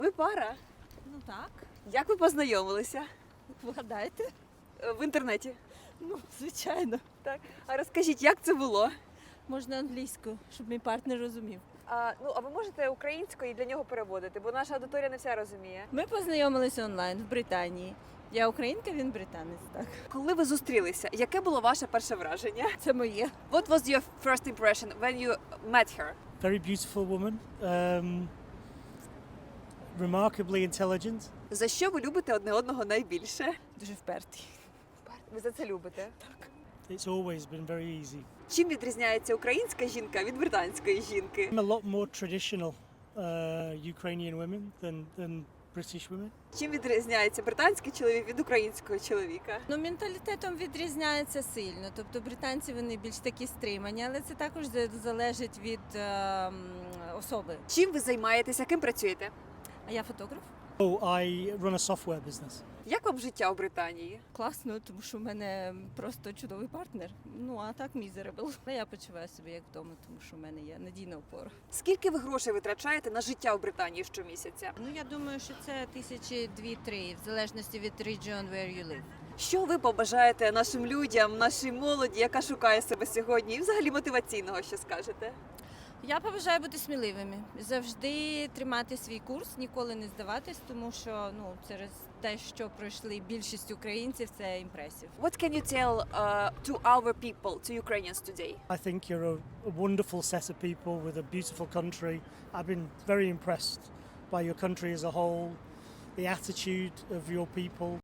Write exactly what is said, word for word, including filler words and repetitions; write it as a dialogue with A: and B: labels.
A: Ви пара?
B: Ну так,
A: Як ви познайомилися?
B: вгадайте.
A: Е, В інтернеті.
B: Ну, звичайно.
A: Так. А розкажіть, як це було?
B: Можна англійською, щоб мій партнер розумів.
A: А, ну, а ви можете українською і для нього переводити, бо наша аудиторія не вся розуміє.
B: Ми познайомилися онлайн в Британії. Я українка, він британець, так.
A: Коли ви зустрілися, яке було ваше перше враження?
B: Це моє.
A: What was your first impression when you met her?
C: Very beautiful woman, um, remarkably intelligent.
A: За що ви любите одне одного найбільше?
B: Дуже впертий.
A: Ви за це любите.
C: It's always been very easy.
A: Чим відрізняється українська жінка від британської жінки?
C: I'm a lot more traditional uh, Ukrainian women than, than British women.
A: Чим відрізняється британський чоловік від українського чоловіка?
B: Ну, менталітетом відрізняється сильно. Тобто британці вони більш такі стримані, але це також за- залежить від е, м, особи.
A: Чим ви займаєтеся? Ким працюєте?
B: А я фотограф.
C: Oh, I run a software business.
A: Як вам життя у Британії?
B: Класно, тому що в мене просто чудовий партнер. Ну а так мізерабл. Але я почуваю себе як вдома, тому що в мене є надійна опора.
A: Скільки ви грошей витрачаєте на життя у Британії щомісяця?
B: Ну я думаю, що це тисячі дві-три, в залежності від region where you live.
A: Що ви побажаєте нашим людям, нашій молоді, яка шукає себе сьогодні, і взагалі мотиваційного, що скажете?
B: Я побажаю бути сміливими, завжди тримати свій курс, ніколи не здаватись, тому що ну через те, що пройшли більшість українців, це імпресів.
A: What can you tell uh, to our people, to Ukrainians today?
C: I think you're a, a wonderful set of people with a beautiful country. I've been very impressed by your country as a whole, the attitude of your people.